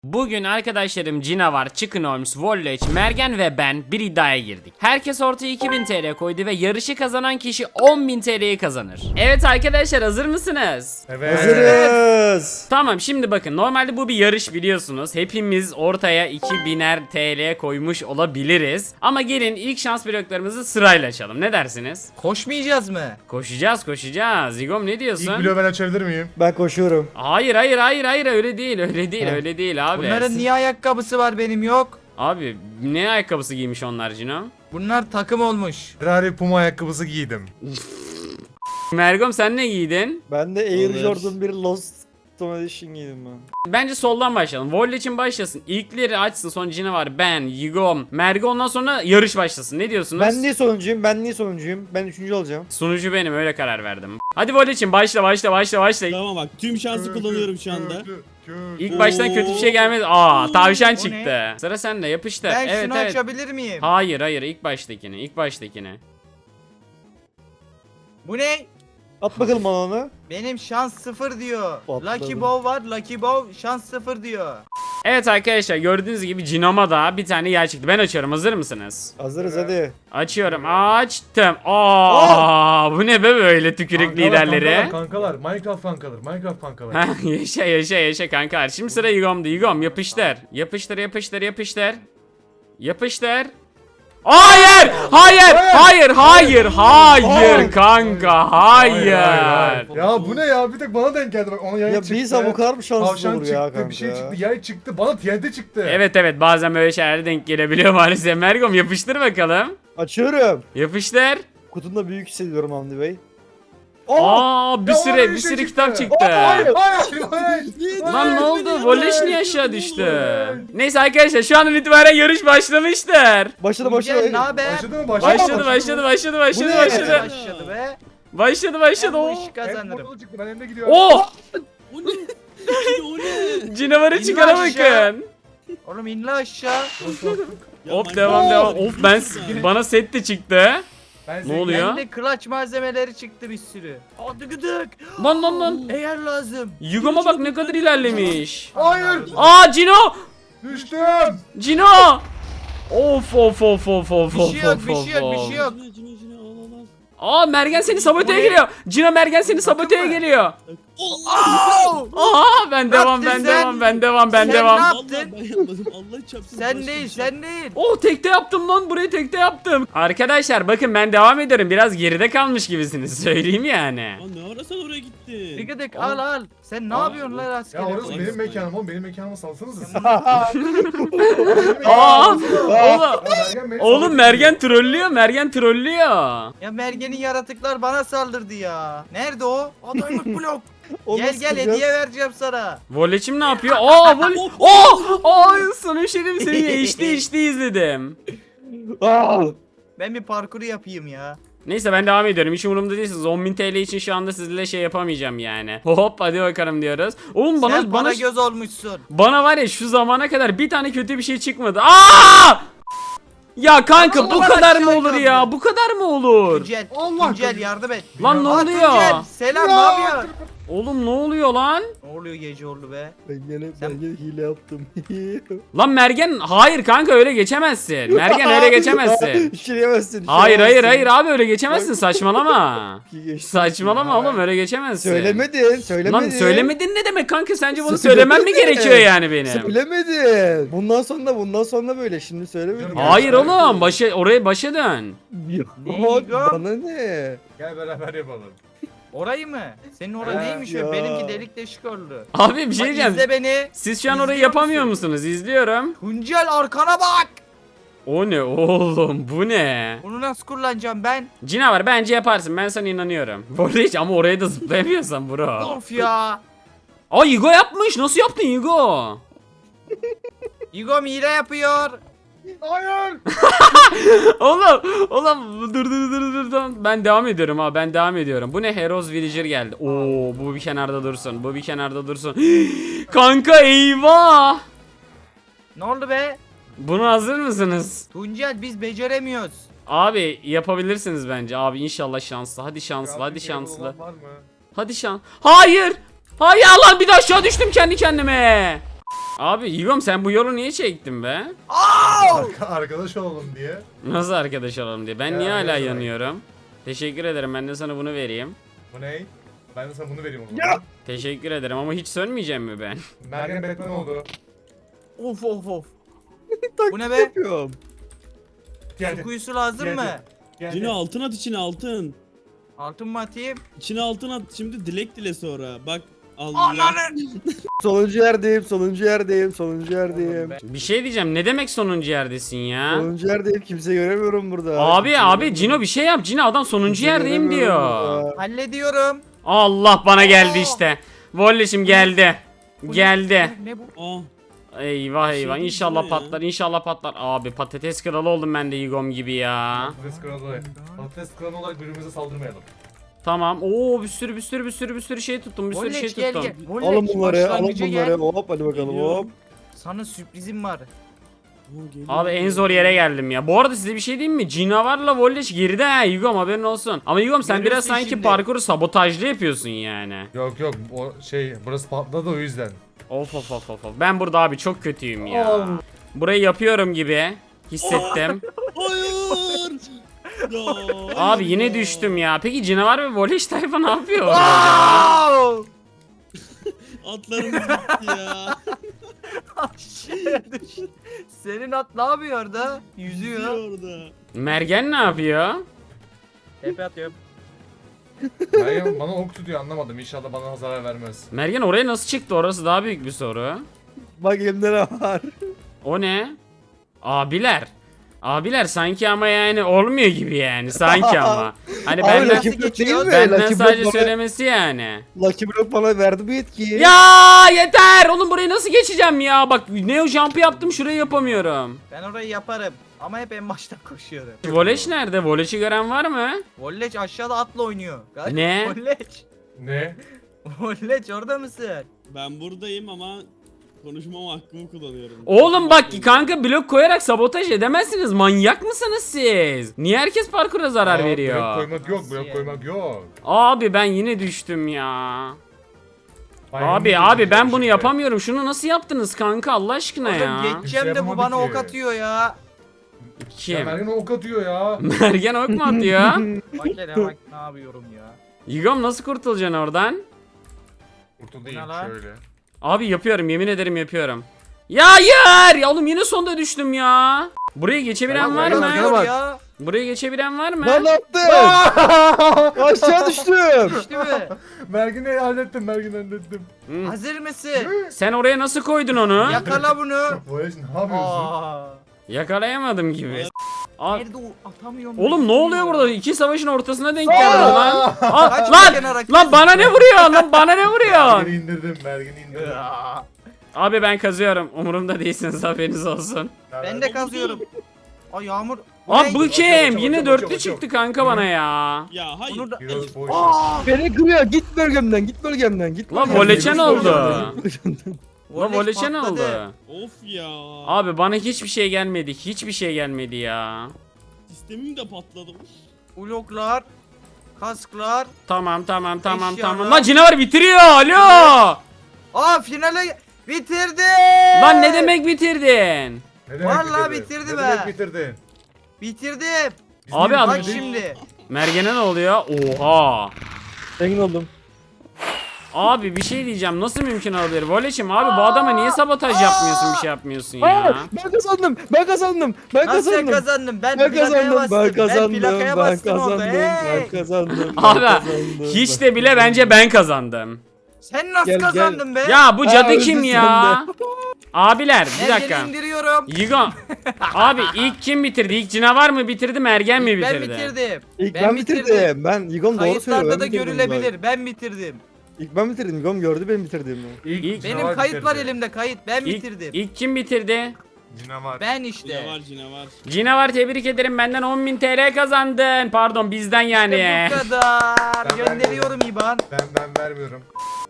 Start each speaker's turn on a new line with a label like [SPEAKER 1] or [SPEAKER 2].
[SPEAKER 1] Bugün arkadaşlarım Cinavar, Chicken Holmes, Volleç, Mergen ve ben bir iddiaya girdik. Herkes ortaya 2000 TL koydu ve yarışı kazanan kişi 10.000 TL'yi kazanır. Evet arkadaşlar, hazır mısınız?
[SPEAKER 2] Evet.
[SPEAKER 3] Hazırız.
[SPEAKER 1] Tamam, şimdi bakın, normalde bu bir yarış biliyorsunuz. Hepimiz ortaya 2000'er TL koymuş olabiliriz. Ama gelin ilk şans bloklarımızı sırayla açalım. Ne dersiniz?
[SPEAKER 4] Koşmayacağız mı?
[SPEAKER 1] Koşacağız. Igom ne diyorsun?
[SPEAKER 2] İlk bloğu ben açabilir miyim?
[SPEAKER 3] Ben koşuyorum.
[SPEAKER 1] Hayır öyle değil abi.
[SPEAKER 4] Bunların niye ayakkabısı var benim yok?
[SPEAKER 1] Abi ne ayakkabısı giymiş onlar Cino?
[SPEAKER 4] Bunlar takım olmuş.
[SPEAKER 2] Ferrari Puma ayakkabısı giydim.
[SPEAKER 1] Mergom sen ne giydin?
[SPEAKER 3] Ben de Air
[SPEAKER 5] Olur.
[SPEAKER 3] Jordan 1 Lost Edition giydim ben.
[SPEAKER 1] Bence soldan başlayalım. Volley için başlasın. İlkleri açsın. Sonra Cino var. Ben, Yigom, Mergo, ondan sonra yarış başlasın. Ne diyorsunuz?
[SPEAKER 3] Ben niye sonuncuyum? Ben üçüncü olacağım.
[SPEAKER 1] Sunucu benim, öyle karar verdim. Hadi Volley için başla.
[SPEAKER 5] Tamam bak, tüm şansı kullanıyorum şu anda.
[SPEAKER 1] İlk baştan kötü bir şey gelmedi. Aa, tavşan
[SPEAKER 4] O
[SPEAKER 1] çıktı. Sıra sende, yapıştır.
[SPEAKER 4] Ben
[SPEAKER 1] Evet
[SPEAKER 4] şunu
[SPEAKER 1] evet.
[SPEAKER 4] açabilir miyim?
[SPEAKER 1] Hayır ilk baştakini.
[SPEAKER 4] Bu ne?
[SPEAKER 3] At bakalım bana onu.
[SPEAKER 4] Benim şans 0 diyor.
[SPEAKER 3] Patladım.
[SPEAKER 4] Lucky Bow var. Lucky Bow şans 0 diyor.
[SPEAKER 1] Evet arkadaşlar, gördüğünüz gibi Cino'ma da bir tane yer çıktı. Ben açıyorum, hazır mısınız?
[SPEAKER 3] Hazırız hadi.
[SPEAKER 1] Açıyorum, açtım. Aa, bu ne be böyle tükürük liderleri?
[SPEAKER 2] Kankalar, Minecraft kankalar.
[SPEAKER 1] Heh, yaşa kanka. Şimdi sıra Yigom'da. Yigom yapıştır. Yapıştır. Hayır kanka, hayır.
[SPEAKER 2] Ya bu ne ya? Bir tek bana denk geldi bak. Ona yay
[SPEAKER 3] Ya
[SPEAKER 2] çıktı.
[SPEAKER 3] bir insan bu kadar mı şanssız
[SPEAKER 2] Tavşan
[SPEAKER 3] olur
[SPEAKER 2] çıktı,
[SPEAKER 3] ya kanka?
[SPEAKER 2] bir şey çıktı, yay çıktı. Bana TNT çıktı.
[SPEAKER 1] Evet bazen böyle şeyler denk gelebiliyor maalesef. Mergom yapıştır bakalım.
[SPEAKER 3] Açıyorum.
[SPEAKER 1] Yapıştır.
[SPEAKER 3] Kutumda büyük hissediyorum Hamdi Bey.
[SPEAKER 1] Aa, bir
[SPEAKER 2] Ya
[SPEAKER 1] sürü
[SPEAKER 2] oraya
[SPEAKER 1] bir
[SPEAKER 2] şey
[SPEAKER 1] sürü
[SPEAKER 2] çıktı.
[SPEAKER 1] kitap çıktı.
[SPEAKER 2] Hayır.
[SPEAKER 1] Lan ne oldu? Volleş niye aşağı düştü? Neyse arkadaşlar, şu andan itibaren yarış başlamıştır.
[SPEAKER 3] Başladı.
[SPEAKER 4] Tuncel ne haber?
[SPEAKER 2] Başladı mı?
[SPEAKER 1] Başladı.
[SPEAKER 4] Be.
[SPEAKER 1] Başladı.
[SPEAKER 4] Ben bu
[SPEAKER 1] Oo.
[SPEAKER 4] işi kazanırım.
[SPEAKER 2] Çıktı. Ben önde gidiyorum.
[SPEAKER 1] Oh!
[SPEAKER 5] O ne? O ne?
[SPEAKER 1] Canavarı
[SPEAKER 4] İn
[SPEAKER 1] çıkara
[SPEAKER 4] aşağı.
[SPEAKER 1] bakın.
[SPEAKER 4] Oğlum inle aşağı.
[SPEAKER 5] Ya
[SPEAKER 1] Hop
[SPEAKER 5] bak-
[SPEAKER 1] devam. Of bana set de çıktı.
[SPEAKER 2] Ben
[SPEAKER 1] Ne oluyor?
[SPEAKER 4] Bende clutch malzemeleri çıktı bir sürü. Hadi gıdık.
[SPEAKER 1] Lan.
[SPEAKER 4] Eğer lazım.
[SPEAKER 1] Yugoma bak ne kadar ilerlemiş.
[SPEAKER 2] Hayır.
[SPEAKER 1] Aa Cino!
[SPEAKER 2] Düştüm.
[SPEAKER 1] Cino! Of.
[SPEAKER 4] Bir şey yok.
[SPEAKER 5] Cino, al.
[SPEAKER 1] Aa, Mergen seni saboteye geliyor. Cino, Mergen seni saboteye
[SPEAKER 4] mı?
[SPEAKER 1] geliyor.
[SPEAKER 5] Allah!
[SPEAKER 1] Aa, ben devam.
[SPEAKER 4] Sen
[SPEAKER 1] Ben
[SPEAKER 4] ne
[SPEAKER 1] devam.
[SPEAKER 4] yaptın?
[SPEAKER 5] Vallahi ben yapmadım. Allah çarpsın.
[SPEAKER 4] Sen değil.
[SPEAKER 1] Oh, tekte yaptım lan, burayı tekte yaptım. Arkadaşlar bakın, ben devam ediyorum. Biraz geride kalmış gibisiniz, söyleyeyim yani.
[SPEAKER 5] Lan ne ara sen oraya
[SPEAKER 4] Bir
[SPEAKER 5] gittin?
[SPEAKER 4] gıdık al. Sen ne yapıyorsun lan askere?
[SPEAKER 2] Ya orası
[SPEAKER 5] Ay,
[SPEAKER 2] benim
[SPEAKER 5] ay.
[SPEAKER 2] mekanım oğlum. Benim mekanıma salsanıza siz.
[SPEAKER 1] Aa, oğlum
[SPEAKER 2] Mergen
[SPEAKER 1] Mergen trollüyor.
[SPEAKER 4] Ya Mergen'in yaratıklar bana saldırdı ya. Nerede o? Adaylık blok.
[SPEAKER 3] Onu
[SPEAKER 4] Gel
[SPEAKER 3] nasıl
[SPEAKER 4] gel
[SPEAKER 3] kıracağız?
[SPEAKER 4] hediye vereceğim sana.
[SPEAKER 1] Voleçim ne yapıyor? Aa, sana bir şey diyeyim, seni HD izledim.
[SPEAKER 3] Aa!
[SPEAKER 4] Ben bir parkuru yapayım ya.
[SPEAKER 1] Neyse, ben devam ediyorum. Hiç umurumda değilsiniz. 10.000 TL için şu anda sizinle şey yapamayacağım yani. Hop, hadi bakalım diyoruz. Oğlum
[SPEAKER 4] Sen
[SPEAKER 1] bana
[SPEAKER 4] göz olmuşsun.
[SPEAKER 1] bana var ya, şu zamana kadar bir tane kötü bir şey çıkmadı. Aa! Ya kanka, bu
[SPEAKER 4] Allah
[SPEAKER 1] kadar mı
[SPEAKER 4] aşağı
[SPEAKER 1] olur
[SPEAKER 4] kaldı.
[SPEAKER 1] ya? Bu kadar mı olur?
[SPEAKER 4] Tuncel,
[SPEAKER 2] Allah
[SPEAKER 4] Tuncel
[SPEAKER 2] kahretsin.
[SPEAKER 4] yardım et.
[SPEAKER 1] Lan ne
[SPEAKER 4] Aa,
[SPEAKER 1] oluyor?
[SPEAKER 4] Tuncel, selam ne yapıyorsun?
[SPEAKER 1] Oğlum ne oluyor lan?
[SPEAKER 4] Ne oluyor geceoğlu be?
[SPEAKER 3] Ben gene
[SPEAKER 4] Sen-
[SPEAKER 3] hile yaptım.
[SPEAKER 1] Lan Mergen, hayır kanka, öyle geçemezsin. Mergen öyle geçemezsin.
[SPEAKER 3] İşleyemezsin.
[SPEAKER 1] Hayır abi, öyle geçemezsin, saçmalama.
[SPEAKER 3] Geçti.
[SPEAKER 1] Saçmalama oğlum, öyle geçemezsin.
[SPEAKER 3] Söylemedin.
[SPEAKER 1] Lan söylemedin ne demek kanka, sence bunu söylemem mi gerekiyor yani benim?
[SPEAKER 3] Söylemedin. Bundan sonra böyle. Şimdi söylemedin.
[SPEAKER 1] Hayır oğlum, oraya başa dön.
[SPEAKER 3] Bana ne?
[SPEAKER 2] Gel beraber yapalım.
[SPEAKER 4] Orayı mı? Senin orası
[SPEAKER 2] Ha,
[SPEAKER 4] neymiş
[SPEAKER 3] ya.
[SPEAKER 4] o? Benimki delik deşik oldu.
[SPEAKER 1] Abi bir şey
[SPEAKER 4] Bak,
[SPEAKER 1] diyeceğim.
[SPEAKER 4] izle beni.
[SPEAKER 1] Siz şu an orayı
[SPEAKER 4] İzliyor
[SPEAKER 1] yapamıyor
[SPEAKER 4] musun?
[SPEAKER 1] musunuz? İzliyorum.
[SPEAKER 4] Tuncel arkana bak.
[SPEAKER 1] O ne oğlum, bu ne?
[SPEAKER 4] Bunu nasıl kullanacağım ben?
[SPEAKER 1] Cinavar, bence yaparsın, ben sana inanıyorum. Bu arada hiç ama oraya da zıplayamıyorsan bro.
[SPEAKER 4] Of ya.
[SPEAKER 1] Aa, Yigo yapmış, nasıl yaptın Yigo?
[SPEAKER 4] Igom hile yapıyor.
[SPEAKER 2] Hayır.
[SPEAKER 1] Oğlum dur. Ben devam ediyorum ha, ben devam ediyorum. Bu ne, Heroes Villager geldi. Oo, bu bir kenarda dursun. Kanka eyvah.
[SPEAKER 4] Ne oldu be?
[SPEAKER 1] Buna hazır mısınız?
[SPEAKER 4] Tuncel biz beceremiyoruz.
[SPEAKER 1] Abi yapabilirsiniz bence. Abi inşallah şanslı. Hadi şanslı.
[SPEAKER 2] Var mı?
[SPEAKER 1] Hadi şans. Hayır lan, bir de aşağı düştüm kendi kendime. Abi Yigom sen bu yolu niye çektin be?
[SPEAKER 2] Arkadaş olalım diye.
[SPEAKER 1] Nasıl arkadaş olalım diye. Ben
[SPEAKER 2] Ya,
[SPEAKER 1] niye hala
[SPEAKER 2] ne demek?
[SPEAKER 1] yanıyorum? Teşekkür ederim. Ben de sana bunu vereyim.
[SPEAKER 2] Bu ne? Ben de sana bunu vereyim o zaman.
[SPEAKER 1] Teşekkür ederim ama hiç sönmeyeceğim mi ben?
[SPEAKER 2] Mergen Batman oldu.
[SPEAKER 4] Of of of. Bu ne be?
[SPEAKER 3] Yapıyorum.
[SPEAKER 2] Geldi.
[SPEAKER 4] Kuyusu lazım
[SPEAKER 2] Geldi.
[SPEAKER 4] mı?
[SPEAKER 2] Geldi.
[SPEAKER 5] Cino altın at içine altın.
[SPEAKER 4] Altın mı atayım?
[SPEAKER 5] İçine altın at şimdi dilek dile sonra. Bak Allah.
[SPEAKER 4] Ananı.
[SPEAKER 3] Sonuncu yerdeyim, sonuncu yerdeyim, sonuncu yerdeyim.
[SPEAKER 1] Bir şey diyeceğim. Ne demek sonuncu yerdesin ya?
[SPEAKER 3] Sonuncu yerdeyim, kimse göremiyorum burada.
[SPEAKER 1] Abi
[SPEAKER 3] Kimse
[SPEAKER 1] abi
[SPEAKER 3] göremiyorum.
[SPEAKER 1] Cino bir şey yap. Cino adam sonuncu
[SPEAKER 3] Kimse
[SPEAKER 1] yerdeyim
[SPEAKER 3] göremiyorum
[SPEAKER 1] diyor.
[SPEAKER 3] burada.
[SPEAKER 4] Hallediyorum.
[SPEAKER 1] Allah bana geldi işte. Volleşim geldi.
[SPEAKER 4] Bu ne?
[SPEAKER 1] Geldi.
[SPEAKER 4] Ne bu?
[SPEAKER 5] Ah.
[SPEAKER 1] Eyvah eyvah.
[SPEAKER 5] Şey
[SPEAKER 1] İnşallah
[SPEAKER 5] değil mi ya?
[SPEAKER 1] patlar. İnşallah patlar. Abi patates kralı oldum ben de Yigom gibi ya.
[SPEAKER 2] Patates kralı. Patates kralı olarak birbirimize saldırmayalım.
[SPEAKER 1] Tamam. Oo bir sürü şey tuttum. Bir sürü şey
[SPEAKER 4] Volleç gel
[SPEAKER 1] tuttum.
[SPEAKER 4] gel. Volleç,
[SPEAKER 3] Alın bunları, alın
[SPEAKER 4] başlangıca
[SPEAKER 3] bunları.
[SPEAKER 4] gel.
[SPEAKER 3] Hop hadi bakalım
[SPEAKER 5] Geliyorum.
[SPEAKER 3] hop.
[SPEAKER 4] Sana sürprizim var.
[SPEAKER 1] Abi en zor yere geldim ya. Bu arada size bir şey diyeyim mi? Cinavar'la Volleş geride ha Yigom haberin olsun. Ama Yigom sen biraz
[SPEAKER 4] Görüyorsun
[SPEAKER 1] sanki
[SPEAKER 4] şimdi.
[SPEAKER 1] parkuru sabotajlı yapıyorsun yani.
[SPEAKER 2] Yok yok o şey burası patladı o yüzden.
[SPEAKER 1] Of of of of. Ben burada abi çok kötüyüm ya. Burayı yapıyorum gibi hissettim.
[SPEAKER 5] Hayır. Ya,
[SPEAKER 1] Abi
[SPEAKER 5] hayır
[SPEAKER 1] yine
[SPEAKER 5] ya.
[SPEAKER 1] düştüm ya. Peki Cinavar ve Volleş tayfa ne yapıyor orada acaba?
[SPEAKER 4] Wow!
[SPEAKER 5] Atlarımız gitti ya.
[SPEAKER 4] Aşağıya düştü. Senin at ne yapıyor orada? Yüzüyor.
[SPEAKER 5] orada.
[SPEAKER 1] Mergen ne yapıyor?
[SPEAKER 4] Tepe atıyorum.
[SPEAKER 2] Mergen bana ok tutuyor anlamadım. İnşallah bana zarar vermez.
[SPEAKER 1] Mergen oraya nasıl çıktı? Orası daha büyük bir soru.
[SPEAKER 3] Bak elimde ne var?
[SPEAKER 1] O ne? Abiler. Abiler sanki ama yani olmuyor gibi yani sanki ama. Hani
[SPEAKER 3] Abi
[SPEAKER 1] benden,
[SPEAKER 3] Lucky Block değil mi?
[SPEAKER 1] benden
[SPEAKER 3] Lucky
[SPEAKER 1] sadece
[SPEAKER 3] Block bana,
[SPEAKER 1] söylemesi yani.
[SPEAKER 3] Lucky Block bana verdi bu yetkiyi.
[SPEAKER 1] Ya yeter! Oğlum burayı nasıl geçeceğim ya? Bak Neo Jump'ı yaptım şurayı yapamıyorum.
[SPEAKER 4] Ben orayı yaparım. Ama hep en baştan koşuyorum.
[SPEAKER 1] Voleş nerede? Voleş'i gören var mı?
[SPEAKER 4] Volleç aşağıda atla oynuyor.
[SPEAKER 1] Ne?
[SPEAKER 4] Volleç.
[SPEAKER 2] Ne?
[SPEAKER 4] Volleç orada mısın?
[SPEAKER 5] Ben buradayım ama konuşmama hakkımı kullanıyorum.
[SPEAKER 1] Oğlum bak kanka blok koyarak sabotaj edemezsiniz. Manyak mısınız siz? Niye herkes parkura zarar
[SPEAKER 2] Aa,
[SPEAKER 1] veriyor?
[SPEAKER 2] Blok koymak yok,
[SPEAKER 4] Nasıl
[SPEAKER 2] blok
[SPEAKER 4] yani?
[SPEAKER 2] koymak yok.
[SPEAKER 1] Abi ben yine düştüm ya.
[SPEAKER 2] Bayramda
[SPEAKER 1] Abi ben
[SPEAKER 2] geçeceğim
[SPEAKER 1] bunu
[SPEAKER 2] şimdi.
[SPEAKER 1] yapamıyorum. Şunu nasıl yaptınız kanka Allah aşkına ya?
[SPEAKER 4] Oğlum geçeceğim de bu
[SPEAKER 2] yapamadık
[SPEAKER 4] bana
[SPEAKER 2] ki.
[SPEAKER 4] ok atıyor ya.
[SPEAKER 2] Ya
[SPEAKER 1] Kim?
[SPEAKER 2] Mergen ok atıyor ya.
[SPEAKER 1] Mergen ok mu atıyor?
[SPEAKER 4] Bak hele bak ne yapıyorum ya.
[SPEAKER 1] Yigom nasıl kurtulacaksın oradan?
[SPEAKER 2] Kurtulayım
[SPEAKER 4] Ne lan?
[SPEAKER 2] şöyle.
[SPEAKER 1] Abi yapıyorum yemin ederim yapıyorum. Ya hayır! Ya oğlum yine sonda düştüm ya. Buraya geçebilen var
[SPEAKER 3] Mergen
[SPEAKER 1] mı?
[SPEAKER 3] atıyor. bak.
[SPEAKER 4] Ya.
[SPEAKER 1] Buraya geçebilen var mı?
[SPEAKER 3] Lan ne yaptın? Aşağı düştüm.
[SPEAKER 4] Düştü mü?
[SPEAKER 2] Mergen'i hallettim, Mergen'i hallettim.
[SPEAKER 1] Hı.
[SPEAKER 4] Hazır mısın?
[SPEAKER 1] Sen oraya nasıl koydun onu?
[SPEAKER 4] Yakala bunu.
[SPEAKER 2] Voleş ne yapıyorsun?
[SPEAKER 4] Aa.
[SPEAKER 1] Yakalayamadım gibi. Aa,
[SPEAKER 4] Nerede o? Atamıyorum.
[SPEAKER 1] oğlum
[SPEAKER 4] ben.
[SPEAKER 1] ne oluyor burada? İki savaşın ortasına denk geldi lan. Aa,
[SPEAKER 4] Kaç
[SPEAKER 1] lan!
[SPEAKER 4] kenara
[SPEAKER 1] Lan bana ne vuruyor? Lan bana ne vuruyor?
[SPEAKER 2] Mergen'i indirdim, Mergen'i indirdim.
[SPEAKER 4] Ya.
[SPEAKER 1] Abi ben kazıyorum. Umurumda değilsiniz haberiniz olsun.
[SPEAKER 4] Ben de kazıyorum. Ay Yağmur.
[SPEAKER 1] Abi
[SPEAKER 4] ne?
[SPEAKER 1] bu
[SPEAKER 2] Bakıyorum,
[SPEAKER 1] kim?
[SPEAKER 2] bakıyorum,
[SPEAKER 1] Yine
[SPEAKER 2] bakıyorum,
[SPEAKER 1] dörtlü
[SPEAKER 2] bakıyorum.
[SPEAKER 1] çıktı kanka bana ya.
[SPEAKER 5] Ya hayır.
[SPEAKER 4] Bunu da...
[SPEAKER 2] Heroes boş.
[SPEAKER 3] Beni kırıyor. Git bölgemden, git bölgemden, git
[SPEAKER 1] Lan
[SPEAKER 3] bölgemden.
[SPEAKER 1] voleçen
[SPEAKER 3] Git
[SPEAKER 1] oldu.
[SPEAKER 3] bölgemden.
[SPEAKER 1] Lan voleçe ne oldu?
[SPEAKER 4] patladı.
[SPEAKER 5] Of ya.
[SPEAKER 1] Abi bana hiçbir şey gelmedi. Hiçbir şey gelmedi ya.
[SPEAKER 5] Sistemim de patladı.
[SPEAKER 4] Bloklar. Kasklar.
[SPEAKER 1] Tamam.
[SPEAKER 4] Eşyalar.
[SPEAKER 1] Lan canavar bitiriyor. Alo.
[SPEAKER 4] Aa finale bitirdi.
[SPEAKER 1] Lan ne demek bitirdin?
[SPEAKER 2] Ne demek
[SPEAKER 4] Vallahi
[SPEAKER 2] bitirdin?
[SPEAKER 4] bitirdi
[SPEAKER 2] Ne
[SPEAKER 4] be.
[SPEAKER 2] demek bitirdin?
[SPEAKER 4] Bitirdim.
[SPEAKER 2] Biz
[SPEAKER 1] Abi
[SPEAKER 2] niye
[SPEAKER 1] adam-
[SPEAKER 4] Bak
[SPEAKER 2] bitirdik?
[SPEAKER 4] şimdi.
[SPEAKER 1] Mergen'e ne oluyor? Oha.
[SPEAKER 3] Zengin oldum.
[SPEAKER 1] Abi bir şey diyeceğim. Nasıl mümkün olabilir? Voleçim abi bu adama niye sabotaj yapmıyorsun bir şey yapmıyorsun ya?
[SPEAKER 3] Aa, ben kazandım. Ben kazandım. Ben
[SPEAKER 4] Nasıl
[SPEAKER 3] kazandım.
[SPEAKER 4] kazandım? Ben
[SPEAKER 3] Ben
[SPEAKER 4] plakaya
[SPEAKER 3] kazandım.
[SPEAKER 4] bastım.
[SPEAKER 3] Ben kazandım.
[SPEAKER 4] plakaya
[SPEAKER 3] Ben
[SPEAKER 4] bastım orada.
[SPEAKER 3] kazandım.
[SPEAKER 4] Hey!
[SPEAKER 3] Ben kazandım. ben
[SPEAKER 1] Abi
[SPEAKER 3] kazandım,
[SPEAKER 1] hiç
[SPEAKER 3] ben
[SPEAKER 1] de bile bence ben kazandım.
[SPEAKER 4] Sen nasıl
[SPEAKER 3] Gel, gel.
[SPEAKER 4] kazandın be?
[SPEAKER 1] Ya bu
[SPEAKER 3] Ha,
[SPEAKER 1] cadı
[SPEAKER 3] öldü
[SPEAKER 1] kim
[SPEAKER 3] sen
[SPEAKER 1] ya? Abiler bir
[SPEAKER 4] Mergen'i
[SPEAKER 1] dakika.
[SPEAKER 4] indiriyorum.
[SPEAKER 1] Yigo. Abi ilk kim bitirdi? İlk canavar mı bitirdi? Mergen mi
[SPEAKER 4] Ben
[SPEAKER 1] bitirdi?
[SPEAKER 4] bitirdim.
[SPEAKER 3] İlk ben bitirdim. Ben Yigom doğru söylüyor.
[SPEAKER 4] Kayıtlarda
[SPEAKER 3] ben
[SPEAKER 4] da
[SPEAKER 3] bitirdim
[SPEAKER 4] görülebilir. Ben bitirdim.
[SPEAKER 3] bak. İlk ben bitirdim. Yigom gördü benim bitirdiğimi.
[SPEAKER 1] İlk-
[SPEAKER 4] Benim
[SPEAKER 2] canavar
[SPEAKER 4] kayıt var
[SPEAKER 2] bitirdi.
[SPEAKER 4] elimde kayıt. Ben
[SPEAKER 1] İlk,
[SPEAKER 4] bitirdim.
[SPEAKER 1] ilk kim bitirdi?
[SPEAKER 2] Canavar.
[SPEAKER 4] Ben işte.
[SPEAKER 5] Canavar canavar.
[SPEAKER 1] Cinavar tebrik ederim benden 10.000 TL kazandın. Pardon bizden yani.
[SPEAKER 4] İşte bu kadar.
[SPEAKER 2] Ben
[SPEAKER 4] Gönderiyorum İban.
[SPEAKER 2] Ben vermiyorum.